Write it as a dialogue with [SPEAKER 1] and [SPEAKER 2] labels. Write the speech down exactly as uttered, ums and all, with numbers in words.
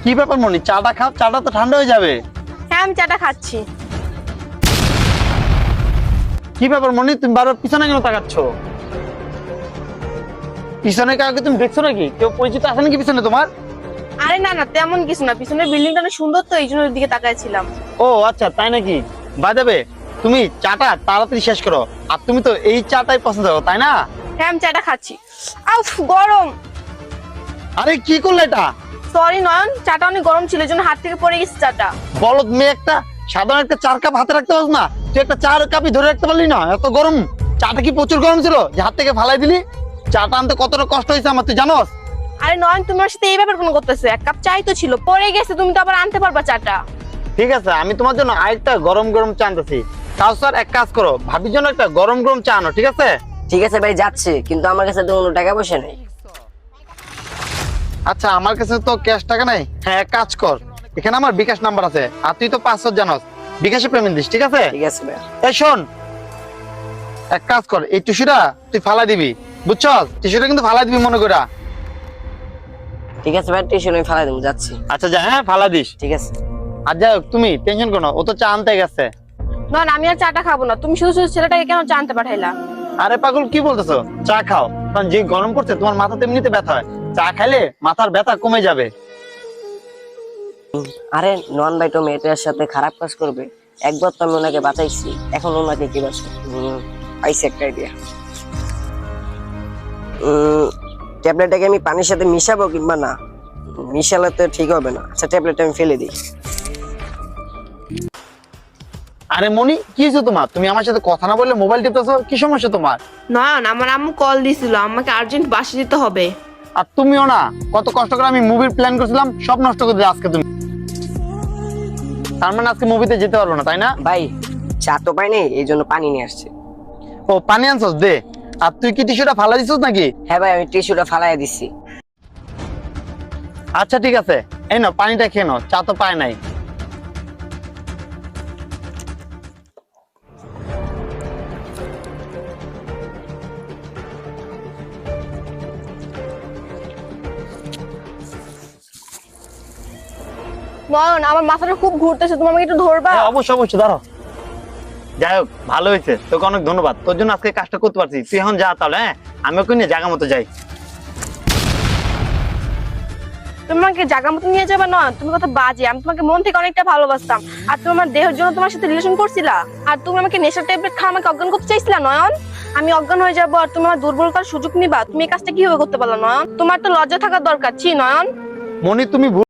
[SPEAKER 1] কি ব্যাপার মনি, চাটা খাও, চাটা তো ঠান্ডা হয়ে যাবে।
[SPEAKER 2] হ্যাঁ আমি চাটা খাচ্ছি।
[SPEAKER 1] কি ব্যাপার মনি, তুমি বারবার পিছনে কেন তাকাচ্ছ? পিছনে কাউকে তুমি দেখছো নাকি? কেউ পরিচিত আছে নাকি পিছনে তোমার?
[SPEAKER 2] আরে না না তেমন কিছু না, পিছনের বিল্ডিংটা অনেক সুন্দর তো এই জন্য ওর দিকে তাকাইছিলাম।
[SPEAKER 1] ও আচ্ছা, তাই নাকি? বাই দ্য ওয়ে, তুমি চাটা তাড়াতাড়ি শেষ করো। আর তুমি তো এই চাটাই পছন্দ করো, তাই না?
[SPEAKER 2] হ্যাঁ আমি চাটা খাচ্ছি। আউফ গরম।
[SPEAKER 1] আরে কি করলে এটা?
[SPEAKER 2] সরি নয়ন, চাটা অনেক গরম ছিল এই জন্য হাত থেকে পড়ে গেছে চাটা।
[SPEAKER 1] বলদ মেয়ে একটা, সাধারণ একটা চার কাপ হাতে রাখতে পারছ না? তুই একটা চার কাপই ধরে রাখতে পারলি না? এত গরম চাটা কি প্রচুর গরম ছিল যে হাত থেকে ফালাই দিলি? চাটা আনতে কতটা কষ্ট হয়েছে আমার, তুই জানোস?
[SPEAKER 2] আরে নয়ন তোমার সাথে এই ব্যাপার কোনো করতেছে, এক কাপ চাই তো ছিল, পড়ে গেছে, তুমি তো আবার আনতে পারবা চাটা।
[SPEAKER 1] ঠিক আছে, আমি তোমার জন্য আরেকটা গরম গরম চা আনতেছি। তাও স্যার এক কাজ করো, ভাবির জন্য একটা গরম গরম চা আনো, ঠিক আছে?
[SPEAKER 3] ঠিক আছে ভাই, যাচ্ছে, কিন্তু আমার কাছে তো কোনো টাকা পয়সা নেই।
[SPEAKER 1] আচ্ছা, আমার কাছে তো ক্যাশ টাকা নাই। হ্যাঁ, এক কাজ কর, এখানে আমার বিকাশ নাম্বার আছে, আর তুই তো পাঁচশো জানোস, বিকাশে পেমেন্ট দিস, ঠিক আছে?
[SPEAKER 3] ঠিক আছে ভাই।
[SPEAKER 1] এই শোন, এক কাজ কর, এই টিস্যুটা তুই ফালাই দিবি, বুঝছস? টিস্যুটা কিন্তু ফালাই দিবি মনে কইরা।
[SPEAKER 3] ঠিক আছে ভাই, টিউশন আমি ফালাই দেবো, যাচ্ছি।
[SPEAKER 1] আচ্ছা যা, হ্যাঁ ফালাই দিস।
[SPEAKER 3] ঠিক আছে।
[SPEAKER 1] আর যাই হোক, তুমি টেনশন করো না, ও তো চা আনতে গেছে।
[SPEAKER 2] নয়ন আমি আর চাটা খাবো না, তুমি শুধু শুধু ছেলেটাকে কেন চা আনতে পাঠাইলা?
[SPEAKER 1] আরে পাগল, কি বলতেছো? চা খাও, কারণ যে গরম করছে তোমার মাথাতে এমনিতে ব্যথা হয়, চা খাইলে মাথার ব্যথা কমে যাবে।
[SPEAKER 3] আরে নন ভাই তো মেয়েটার সাথে খারাপ কাজ করবে? একবার তো আমি ওনাকে বাঁচাইছি, এখন ওনাকে কি বাঁচবে? পাইছি একটা আইডিয়া। ট্যাবলেটটাকে আমি পানির সাথে মিশাবো কিংবা না? মিশালে তো ঠিক হবে না। আচ্ছা, ট্যাবলেটটা আমি ফেলে দিই।
[SPEAKER 1] আরে মনি, কি হয়েছে তোমার? তুমি আমার সাথে কথা না বললে মোবাইল টিপতেছো, কি সমস্যা তোমার?
[SPEAKER 2] নয়ন আমার আম্মু কল দিছিল, আমাকে আর্জেন্ট বাসে যেতে হবে।
[SPEAKER 1] আর তুমিও না, কত কষ্ট করে আমি মুভির প্ল্যান করছিলাম, সব নষ্ট করে দিলে আজকে তুমি। তার মানে আজকে মুভিতে যেতে পারবো না, তাই না?
[SPEAKER 3] ভাই, চা তো পাই নাই, এই জন্য পানি নিয়ে আসছে।
[SPEAKER 1] ও, পানি আনছস, দে। আর তুই কি টিস্যুটা ফালা দিছিস নাকি?
[SPEAKER 3] হ্যাঁ ভাই, আমি টিস্যুটা ফালাই দিছি।
[SPEAKER 1] আচ্ছা ঠিক আছে, এই নাও পানিটা খেয়ে নাও, চা তো পায় নাই।
[SPEAKER 2] নয়ন আমার মাথাটা খুব ঘুরতেছে, তুমি আমাকে একটু ধরবা?
[SPEAKER 1] হ্যাঁ, অবশ্যই অবশ্যই, দাঁড়াও। যাই হোক, ভালো হয়েছে, তোকে অনেক ধন্যবাদ, তোর জন্য আজকে কাজটা করতে পারছি। তুই এখন যা তাহলে, হ্যাঁ? আমি ওকে নিয়ে জায়গা মতো যাই।
[SPEAKER 2] তুমি আমাকে জায়গা মতো নিয়ে যাবে? নয়ন তুমি কথা বাজে, আমি তোমাকে মন থেকে অনেকটা ভালোবাসতাম, আর তুমি আমার দেহের জন্য তোমার সাথে রিলেশন করছিলা, আর তুমি আমাকে নেশার ট্যাবলেট খা আমাকে অজ্ঞান করতে চাইছিলা। নয়ন আমি অজ্ঞান হয়ে যাবো আর তুমি আমার দুর্বলতার সুযোগ নিবা? তুমি এই কাজটা কিভাবে করতে পারলা নয়ন? তোমার তো লজ্জা থাকার দরকার। ছি নয়ন।
[SPEAKER 1] মনি, তুমি